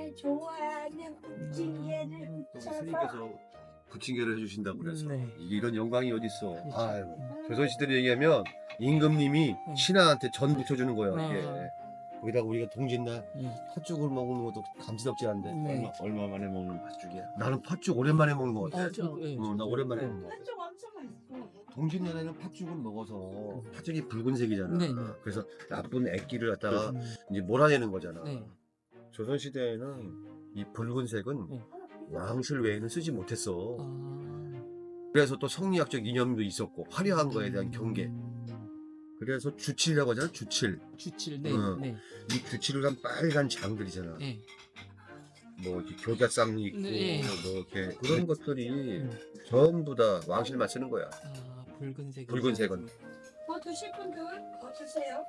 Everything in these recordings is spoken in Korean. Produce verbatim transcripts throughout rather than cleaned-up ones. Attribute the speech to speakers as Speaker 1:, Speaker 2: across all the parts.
Speaker 1: 내 좋아하는 부침개를
Speaker 2: 또
Speaker 1: 붙여서
Speaker 2: 스님께서 부침개를 해주신다고 그래서
Speaker 3: 네.
Speaker 2: 이게 이런 영광이 어딨어.
Speaker 3: 그렇죠.
Speaker 2: 아유, 조선시대로 얘기하면 임금님이
Speaker 3: 네.
Speaker 2: 신하한테 전 붙여주는 거예요.
Speaker 3: 네.
Speaker 2: 이게. 거기다가 우리가 동짓날
Speaker 3: 네.
Speaker 2: 팥죽을 먹는 것도 감지덕지 않은데
Speaker 3: 네.
Speaker 2: 얼마, 얼마 만에 먹는 팥죽이야. 나는 팥죽 오랜만에 먹는 것 같아.
Speaker 3: 어, 저, 예,
Speaker 2: 어, 나
Speaker 3: 저도.
Speaker 2: 오랜만에
Speaker 3: 네.
Speaker 2: 먹는 것 같아.
Speaker 1: 한쪽 엄청 맛있어.
Speaker 2: 동짓날에는 팥죽을 먹어서 팥죽이 붉은색이잖아.
Speaker 3: 네, 네.
Speaker 2: 그래서 나쁜 액기를 갖다가
Speaker 3: 음,
Speaker 2: 이제 몰아내는 거잖아.
Speaker 3: 네.
Speaker 2: 조선시대에는 이 붉은색은
Speaker 3: 네.
Speaker 2: 왕실 외에는 쓰지 못했어.
Speaker 3: 아,
Speaker 2: 그래서 또 성리학적 이념도 있었고 화려한 거에 대한 경계.
Speaker 3: 음,
Speaker 2: 그래서 주칠이라고 하잖아. 주칠.
Speaker 3: 주칠, 네,
Speaker 2: 어.
Speaker 3: 네,
Speaker 2: 이 주칠을 한 빨간 장들이잖아.
Speaker 3: 네.
Speaker 2: 뭐 이렇게 교자쌍이 있고
Speaker 3: 네.
Speaker 2: 뭐 이렇게 그런 것들이
Speaker 3: 음.
Speaker 2: 전부 다 왕실만 쓰는 거야.
Speaker 3: 아, 붉은색.
Speaker 2: 붉은색은.
Speaker 1: 뭐 드실 분들 뭐 드세요?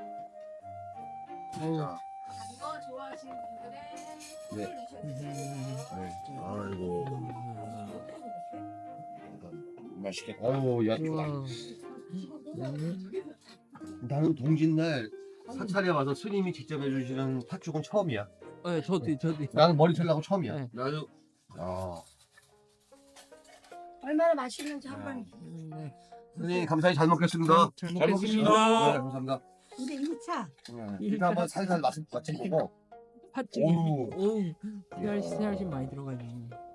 Speaker 3: 어우,
Speaker 2: 자,
Speaker 1: 단 거 좋아하시는 분들은
Speaker 2: 네.
Speaker 1: 술 드셔도
Speaker 3: 음,
Speaker 2: 네. 아이고
Speaker 3: 음,
Speaker 2: 맛있겠다. 아유 야
Speaker 3: 우와.
Speaker 2: 좋아.
Speaker 3: 음,
Speaker 2: 나는 동짓날 사찰에 와서 스님이 직접 해주시는 팥죽은 처음이야.
Speaker 3: 네, 저도, 저도.
Speaker 2: 나는 머리 털라고 처음이야.
Speaker 3: 네.
Speaker 2: 나도. 아,
Speaker 1: 얼마나 맛있는지 한번.
Speaker 3: 음, 네.
Speaker 2: 선생님 감사히 잘 먹겠습니다.
Speaker 3: 잘
Speaker 2: 잘
Speaker 3: 먹겠습니다.
Speaker 2: 네, 감사합니다.
Speaker 1: 근데 이 차
Speaker 2: 네, 일단 한번 살살 맛을 맛좀 보고.
Speaker 3: 팥죽이.
Speaker 2: 오우.
Speaker 3: 오우, 씨알씨, 씨알씨 많이 들어가네.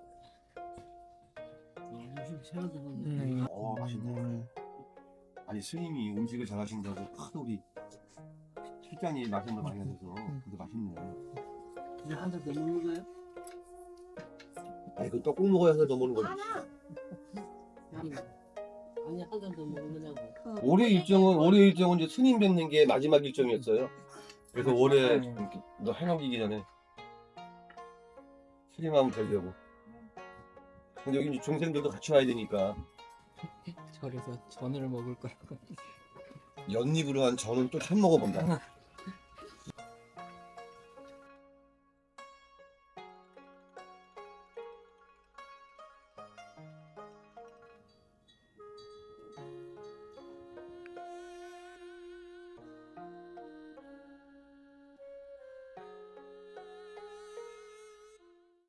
Speaker 3: 네.
Speaker 2: 어 맛있네. 아니 스님이 음식을 잘하신다고 하도 우리 실장이 맛있는 거 많이 하셔서 근데 맛있네.
Speaker 4: 이제 한 잔 더 먹는 거예요?
Speaker 2: 아니 그 떡국 먹어야 한잔더 먹는 거지.
Speaker 1: 하나.
Speaker 4: 아니, 아니 한 잔 더 먹는 거냐고.
Speaker 2: 올해 일정은 올해 일정은 이제 스님 뵙는 게 마지막 일정이었어요. 그래서 올해
Speaker 3: 네.
Speaker 2: 이렇게 너 해넘기기 전에 스님 한번 뵈려고. 근데 여기 이제 중생들도 같이 와야 되니까
Speaker 3: 절에서 전을 먹을 거라고.
Speaker 2: 연잎으로 한 전은 또 처음 먹어본다.